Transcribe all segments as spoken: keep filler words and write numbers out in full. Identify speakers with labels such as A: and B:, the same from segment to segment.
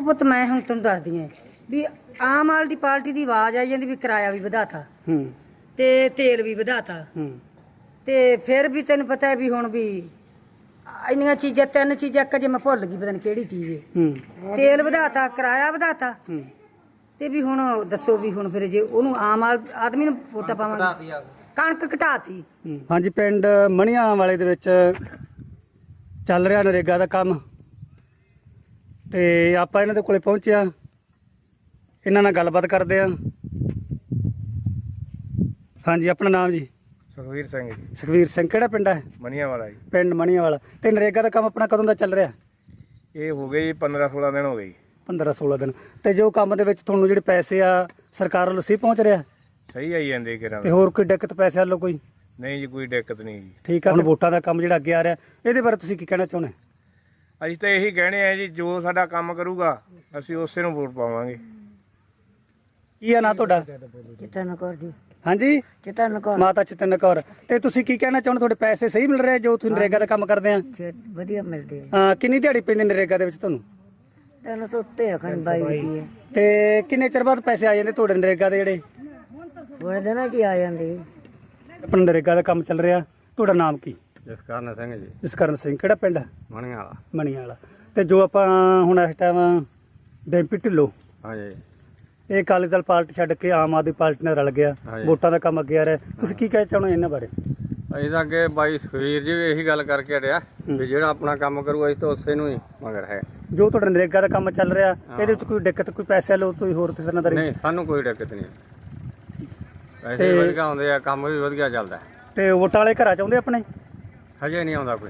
A: ਉਹ ਪੁੱਤ ਮੈਂ ਹੁਣ ਤੁਹਾਨੂੰ ਦੱਸਦੀ ਆਂ ਵੀ ਆਮ ਆਦਮੀ ਪਾਰਟੀ ਦੀ ਆਵਾਜ਼ ਆਈ ਜਾਂਦੀ ਵੀ ਕਿਰਾਇਆ ਵੀ ਵਧਾਤਾ
B: ਹੂੰ
A: ਤੇ ਤੇਲ ਵੀ ਵਧਾਤਾ
B: ਹੂੰ
A: ਤੇ ਫਿਰ ਵੀ ਤੈਨੂੰ ਪਤਾ ਹੈ ਵੀ ਹੁਣ ਵੀ ਇੰਨੀਆਂ ਚੀਜ਼ਾਂ ਤਿੰਨ ਚੀਜ਼ਾਂ ਇੱਕ ਜੇ ਮੈਂ ਭੁੱਲ ਗਈ ਪਤਾ ਨਹੀਂ ਕਿਹੜੀ ਚੀਜ਼ ਹੈ।
B: ਹੂੰ
A: ਤੇਲ ਵਧਾਤਾ ਕਿਰਾਇਆ ਵਧਾਤਾ
B: ਹੂੰ
A: ਤੇ ਵੀ ਹੁਣ ਦੱਸੋ ਵੀ ਹੁਣ ਫਿਰ ਜੇ ਉਹਨੂੰ ਆਮ ਆਦਮੀ ਨੂੰ ਵੋਟਾਂ ਪਾਵਾਂਗੇ ਕਣਕ ਘਟਾਤੀ।
B: ਹਾਂਜੀ ਪਿੰਡ ਮਣੀਆਂ ਵਾਲੇ ਦੇ ਵਿੱਚ ਚੱਲ ਰਿਹਾ ਨਰੇਗਾ ਦਾ ਕੰਮ ਤੇ ਆਪਾਂ ਇਹਨਾਂ ਦੇ ਕੋਲੇ ਪਹੁੰਚਿਆ ਇਹਨਾਂ ਨਾਲ ਗੱਲਬਾਤ ਕਰਦੇ ਆ। ਹਾਂਜੀ ਆਪਣਾ ਨਾਮ ਜੀ?
C: ਸੁਖਵੀਰ ਸਿੰਘ ਜੀ।
B: ਸੁਖਵੀਰ ਸਿੰਘ ਕਿਹੜਾ ਪਿੰਡ ਹੈ?
C: ਮਨੀਆਂ ਵਾਲਾ ਜੀ।
B: ਪਿੰਡ ਮਣੀਆਂ ਵਾਲਾ। ਤੇ ਨਰੇਗਾ ਦਾ ਕੰਮ ਆਪਣਾ ਕਦੋਂ ਦਾ ਚੱਲ ਰਿਹਾ?
C: ਇਹ ਹੋ ਗਏ ਜੀ ਪੰਦਰਾਂ ਸੋਲਾਂ ਦਿਨ ਹੋ ਗਏ ਜੀ।
B: ਪੰਦਰਾਂ ਸੋਲਾਂ ਦਿਨ। ਤੇ ਜੋ ਕੰਮ ਦੇ ਵਿੱਚ ਤੁਹਾਨੂੰ ਜਿਹੜੇ ਪੈਸੇ ਆ ਸਰਕਾਰ ਵੱਲੋਂ ਸਹੀ ਪਹੁੰਚ ਰਿਹਾ?
C: ਸਹੀ ਆਈ ਜਾਂਦੇ ਕਿਰਾਂ।
B: ਤੇ ਹੋਰ ਕੋਈ ਦਿੱਕਤ ਪੈਸੇ ਵੱਲੋਂ ਕੋਈ?
C: ਨਹੀਂ ਜੀ ਕੋਈ ਦਿੱਕਤ ਨਹੀਂ ਜੀ।
B: ਠੀਕ ਆ। ਹੁਣ ਵੋਟਾਂ ਦਾ ਕੰਮ ਜਿਹੜਾ ਅੱਗੇ ਆ ਰਿਹਾ ਇਹਦੇ ਬਾਰੇ ਤੁਸੀਂ ਕੀ ਕਹਿਣਾ ਚਾਹੁੰਦੇ?
C: ਅਸੀਂ ਤਾਂ ਇਹੀ ਕਹਿਣੇ ਆ ਜੀ ਜੋ ਸਾਡਾ ਕੰਮ ਕਰੂਗਾ ਅਸੀਂ ਉਸੇ ਨੂੰ ਵੋਟ ਪਾਵਾਂਗੇ।
B: ਕੀ ਆ ਨਾਂ ਤੁਹਾਡਾ?
A: ਚਿਤਨ ਕੌਰ ਜੀ।
B: ਹਾਂਜੀ
A: ਚਿਤਨ ਕੌਰ।
B: ਮਾਤਾ ਚਿਤਨ ਕੌਰ। ਤੇ ਤੁਸੀਂ ਕੀ ਕਹਿਣਾ ਚਾਹੁੰਦੇ ਤੁਹਾਡੇ ਪੈਸੇ ਸਹੀ ਮਿਲ ਰਹੇ ਜੋ ਤੁਸੀਂ ਨਰੇਗਾ ਦਾ ਕੰਮ ਕਰਦੇ ਆ?
A: ਵਧੀਆ ਮਿਲਦੇ ਆ।
B: ਹਾਂ ਕਿੰਨੀ ਦਿਹਾੜੀ ਪੈਂਦੀ ਨਰੇਗਾ ਦੇ ਵਿੱਚ ਤੁਹਾਨੂੰ?
A: ਤਿੰਨ ਸੌ ਉੱਤੇ ਆ ਖਣ ਬਾਈ ਰੁਪਏ।
B: ਤੇ ਕਿੰਨੇ ਚਿਰ ਬਾਅਦ ਪੈਸੇ ਆ ਜਾਂਦੇ ਤੁਹਾਡੇ ਨਰੇਗਾ ਦੇ ਜਿਹੜੇ?
A: ਥੋੜੇ ਦਿਨਾਂ 'ਚ ਆ ਜਾਂਦੇ।
B: ਆਪਣਾ ਨਰੇਗਾ ਦਾ ਕੰਮ ਚੱਲ ਰਿਹਾ। ਤੁਹਾਡਾ ਨਾਮ ਕੀ?
C: ਜਸਕਰਨ ਸਿੰਘ ਜੀ।
B: ਜਸਕਰਨ ਸਿੰਘ। ਕਿਹੜਾ ਪਿੰਡ?
C: ਮਣੀਆਂ ਵਾਲਾ।
B: ਮਣੀਆਂ ਵਾਲਾ। ਤੇ ਜੋ ਆਪਾਂ ਹੁਣ ਇਸ ਟਾਈਮ ਡੈਂਪੀ ਢਿੱਲੋਂ
C: ਹਾਂਜੀ।
B: ਇਹ ਅਕਾਲੀ ਦਲ ਪਾਰਟੀ ਛੱਡ ਕੇ ਆਮ ਆਦਮੀ ਪਾਰਟੀ ਨਾਲ ਰਲ ਗਿਆ ਵੋਟਾਂ ਦਾ ਕੰਮ ਅੱਗੇ ਆ ਰਿਹਾ ਤੁਸੀਂ ਕੀ ਕਹਿਣਾ ਚਾਹੁੰਦੇ ਇਹਨਾਂ ਬਾਰੇ?
D: ਅਸੀਂ ਤਾਂ ਅੱਗੇ ਬਾਈ ਸੁਖਵੀਰ ਜੀ ਵੀ ਇਹੀ ਗੱਲ ਕਰਕੇ ਹਟਿਆ ਵੀ ਜਿਹੜਾ ਆਪਣਾ ਕੰਮ ਕਰੂ ਅਸੀਂ ਤਾਂ ਉਸੇ ਨੂੰ ਹੀ ਮਗਰ ਹੈ।
B: ਜੋ ਤੁਹਾਡਾ ਨਰੇਗਾ ਦਾ ਕੰਮ ਚੱਲ ਰਿਹਾ ਇਹਦੇ ਵਿੱਚ ਕੋਈ ਦਿੱਕਤ ਕੋਈ ਪੈਸੇ ਲਓ ਕੋਈ ਹੋਰ ਕਿਸੇ ਨਾਲ?
D: ਨਹੀਂ ਸਾਨੂੰ ਕੋਈ ਦਿੱਕਤ ਨਹੀਂ। ਪੈਸੇ ਵੀ ਵਧੀਆ ਆਉਂਦੇ ਆ ਕੰਮ ਵੀ ਵਧੀਆ ਚੱਲਦਾ।
B: ਤੇ ਵੋਟਾਂ ਵਾਲੇ ਘਰਾਂ ਚ ਆਉਂਦੇ ਆਪਣੇ?
D: ਹਜੇ ਨਹੀਂ ਆਉਂਦਾ ਕੋਈ।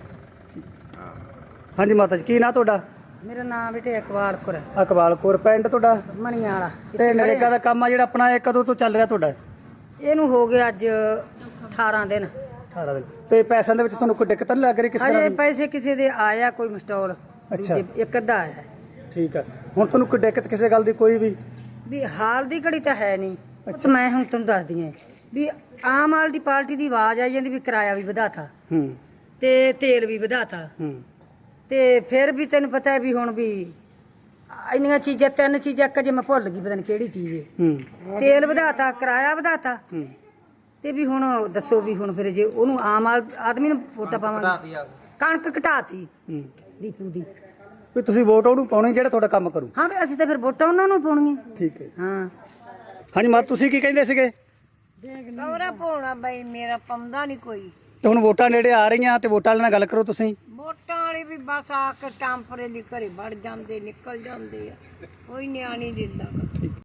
B: ਹਾਂਜੀ ਮਾਤਾ ਜੀ ਕੀ ਨਾਂ ਤੁਹਾਡਾ?
A: ਮੇਰਾ ਨਾਮ ਬੇਟੇ ਇਕਬਾਲ ਕੌਰ।
B: ਇਕਬਾਲ ਕੌਰ। ਪਿੰਡ ਤੁਹਾਡਾ?
A: ਮਣੀਆਂ ਵਾਲਾ।
B: ਤੇ ਨਰੇਗਾ ਦਾ ਕੰਮ ਆ ਜਿਹੜਾ ਆਪਣਾ ਇਹ ਕਦੋਂ ਤੋਂ ਚੱਲ ਰਿਹਾ ਤੁਹਾਡਾ?
A: ਇਹਨੂੰ ਹੋ ਗਿਆ ਅੱਜ ਅਠਾਰਾਂ ਦਿਨ।
B: ਅਠਾਰਾਂ ਦਿਨ। ਤੇ ਪੈਸਿਆਂ ਦੇ ਵਿੱਚ ਤੁਹਾਨੂੰ ਕੋਈ ਦਿੱਕਤ ਨਹੀਂ ਲੱਗ ਰਹੀ ਕਿਸੇ
A: ਅਜੇ
B: ਤਰ੍ਹਾਂ ਦੀ?
A: ਪੈਸੇ ਕਿਸੇ ਦੇ ਆਇਆ ਕੋਈ ਮਸਟੋਲ
B: ਅੱਛਾ।
A: ਇੱਕ ਅੱਧਾ ਆਇਆ
B: ਠੀਕ ਆ। ਹੁਣ ਤੁਹਾਨੂੰ ਕੋਈ ਦਿੱਕਤ ਕਿਸੇ ਗੱਲ ਦੀ ਕੋਈ ਵੀ?
A: ਵੀ ਹਾਲ ਦੀ ਘੜੀ ਤਾਂ ਹੈ ਨਹੀਂ। ਮੈਂ ਹੁਣ ਤੁਹਾਨੂੰ ਦੱਸਦੀ ਆਂ ਵੀ ਆਮ ਆਦਮੀ ਪਾਰਟੀ ਦੀ ਆਵਾਜ਼ ਆਈ ਜਾਂਦੀ ਵੀ ਕਿਰਾਇਆ ਵੀ ਵਧਾਤਾ
B: ਹੂੰ
A: ਤੇ ਤੇਲ ਵੀ ਵਧਾਤਾ
B: ਹੂੰ
A: ਤੇ ਫਿਰ ਵੀ ਤੈਨੂੰ ਪਤਾ ਹੈ ਵੀ ਹੁਣ ਵੀ ਇੰਨੀਆਂ ਚੀਜ਼ਾਂ ਤਿੰਨ ਚੀਜ਼ਾਂ ਇੱਕ ਜੇ ਮੈਂ ਭੁੱਲ ਗਈ ਪਤਾ ਨਹੀਂ ਕਿਹੜੀ ਚੀਜ਼ ਹੈ।
B: ਹੂੰ
A: ਤੇਲ ਵਧਾਤਾ ਕਿਰਾਇਆ ਵਧਾਤਾ
B: ਹੂੰ
A: ਤੇ ਵੀ ਹੁਣ ਦੱਸੋ ਵੀ ਹੁਣ ਫਿਰ ਜੇ ਉਹਨੂੰ ਆਮ ਆਦਮੀ ਨੂੰ ਵੋਟਾਂ ਪਾਵਾਂਗੇ ਕਣਕ ਘਟਾਤੀ
B: ਹੂੰ
A: ਡੀਪੂ ਦੀ।
B: ਵੀ ਤੁਸੀਂ ਵੋਟ ਉਹਨੂੰ ਪਾਉਣੀ ਜਿਹੜਾ ਤੁਹਾਡਾ ਕੰਮ ਕਰੂ?
A: ਹਾਂ ਵੀ ਅਸੀਂ ਤਾਂ ਫਿਰ ਵੋਟਾਂ ਉਹਨਾਂ ਨੂੰ ਪਾਉਣੀਆਂ।
B: ਠੀਕ ਹੈ।
A: ਹਾਂ
B: ਹਾਂਜੀ ਮਾਤਾ ਤੁਸੀਂ ਕੀ ਕਹਿੰਦੇ ਸੀਗੇ?
E: ਕਵਰਾ ਪਾਉਣਾ ਬਈ ਮੇਰਾ ਪਾਉਂਦਾ ਨਹੀਂ ਕੋਈ।
B: ਤੇ ਹੁਣ ਵੋਟਾਂ ਨੇੜੇ ਆ ਰਹੀਆਂ ਤੇ ਵੋਟਾਂ ਵਾਲਿਆਂ ਨਾਲ ਗੱਲ ਕਰੋ ਤੁਸੀਂ।
E: ਵੋਟਾਂ ਵਾਲੇ ਵੀ ਬਸ ਆ ਕੇ ਟਾਂਪਰੇ ਦੀ ਘਰੇ ਵੜ ਜਾਂਦੇ ਨਿਕਲ ਜਾਂਦੇ ਆ ਕੋਈ ਨਿਆਣੀ ਦਿੰਦਾ।